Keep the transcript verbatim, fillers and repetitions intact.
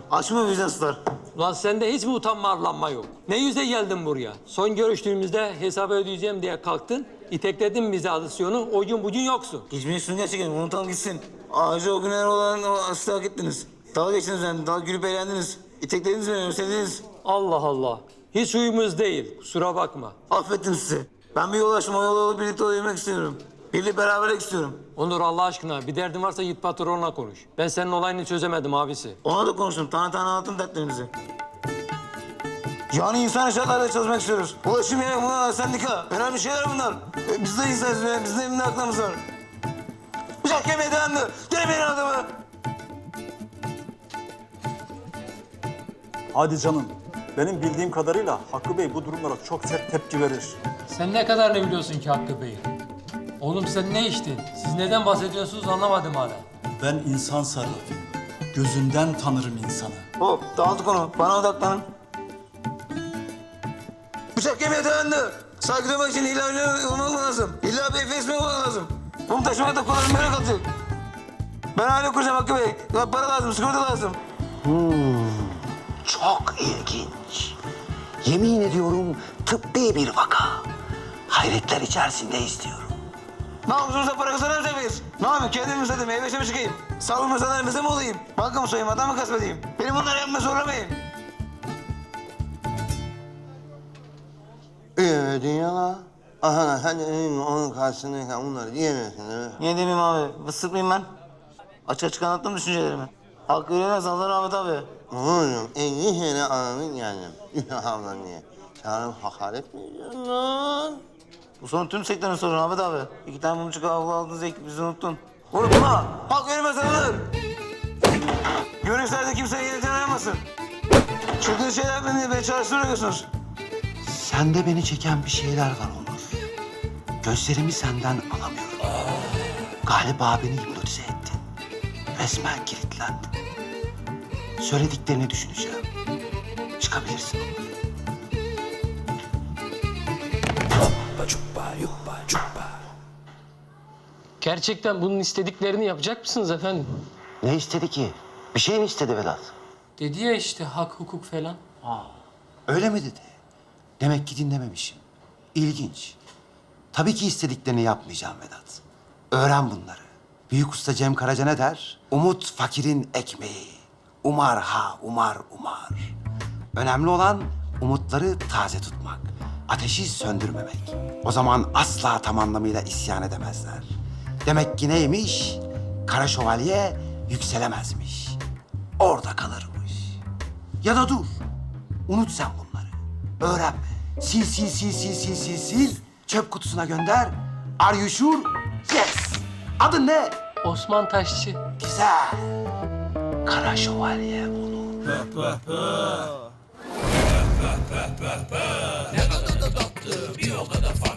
Açma vicdansızlar. Ulan sende hiç mi utanma arlanma yok? Ne yüze geldin buraya? Son görüştüğümüzde hesabı ödeyeceğim diye kalktın. İtekledin bize adisyonu. O gün bugün yoksun. Geçmeyi gerçekten unutalım gitsin. Ağacı o günler olan o aslı hak ettiniz. Dalga geçtiniz yani, dalga gülüp eğlendiniz. İteklediniz beni, özlediniz. Allah Allah. Hiç uyumuz değil. Kusura bakma. Affettim sizi. Ben bir yol açtım, o yola olup birlikte olabilmek istiyorum. Birlikte beraberlik istiyorum. Onur Allah aşkına bir derdin varsa git patronla konuş. Ben senin olayını çözemedim abisi. Ona da konuştum, tane tane anlattım dertlerimizi. Yani insan şartlarda çalışmak istiyoruz. Ulaşım yeri, bunlar, sendika. Önemli şeyler bunlar. E, biz de insanız, e, bizim de evinde aklımız var. Bıçak yemeye dayandı. Gelemeyin adamı. Hadi canım. Benim bildiğim kadarıyla Hakkı Bey bu durumlara çok sert tepki verir. Sen ne kadar ne biliyorsun ki Hakkı Bey? Oğlum sen ne içtin? Siz neden bahsediyorsunuz anlamadım hala. Ben insan sarrafıyım. Gözünden tanırım insanı. Hop, dağıldık onu. Bana odaklanın. Bıçak yemeye dayandı. Saygı duymak için illa öyle olmak lazım. İlla bir efes mi olmak lazım? Bunu taşımak da kolay böyle kalacak. Ben aile kuracağım Hakkı Bey. Ya para lazım, sigorta lazım. Çok ilginç. Yemin ediyorum tıbbi bir vaka. Hayretler içerisinde istiyorum. Ne yapıyorsunuz da para kazanamayacak mıyız? Ne yapayım? Kendimi mi satayım? Meyve mi çıkayım? Sağlık mesalarımıza mı olayım? Banka mı soyayım? Adam mı kasbedeyim? Beni bunları yapmaya zorlamayın. Ee dünya. Aha hani onun karşısındayken onları diyemiyorsun değil mi? Niye demeyeyim abi? Vısık mıyım ben? Açık açık anlattım düşüncelerimi. Hakkı öğrenemez Allah rahmet abi. Oğlum elli sene anamın geldim. Ablam diye. Sana hakaret mi ediyorsun lan? Bu sorun tüm sektörün sorunu Ahmet abi. İki tane mumcuk avlu aldığınızda ekip bizi unuttun. Unutma! Halk öğrenmez alınır! Görüşlerde kimseye yeniden arayamasın. Çılgın şeyler beni, beni çalıştırıyorsunuz. Sende beni çeken bir şeyler var Onur. Gözlerimi senden alamıyorum. Galiba beni hipnotize ettin. Resmen kilitlendim. Söylediklerini düşüneceğim. Çıkabilirsin Onur. Gerçekten bunun istediklerini yapacak mısınız efendim? Ne istedi ki? Bir şey mi istedi Vedat? Dedi ya işte hak hukuk falan. Öyle mi dedi? Demek ki dinlememişim. İlginç. Tabii ki istediklerini yapmayacağım Vedat. Öğren bunları. Büyük usta Cem Karaca ne der? Umut fakirin ekmeği. Umar ha umar umar. Önemli olan umutları taze tutmak. Ateşi söndürmemek. O zaman asla tam anlamıyla isyan edemezler. Demek ki neymiş? Kara şövalye yükselemezmiş. Orada kalırmış. Ya da dur. Unut sen bunları. Öğrenme. Sil sil sil sil sil sil sil. Çöp kutusuna gönder. Are you sure? Yes. Adın ne? Osman Taşçı. Güzel. Kara şövalye Onur. Ne kadar da tatlı, bir o kadar farklı.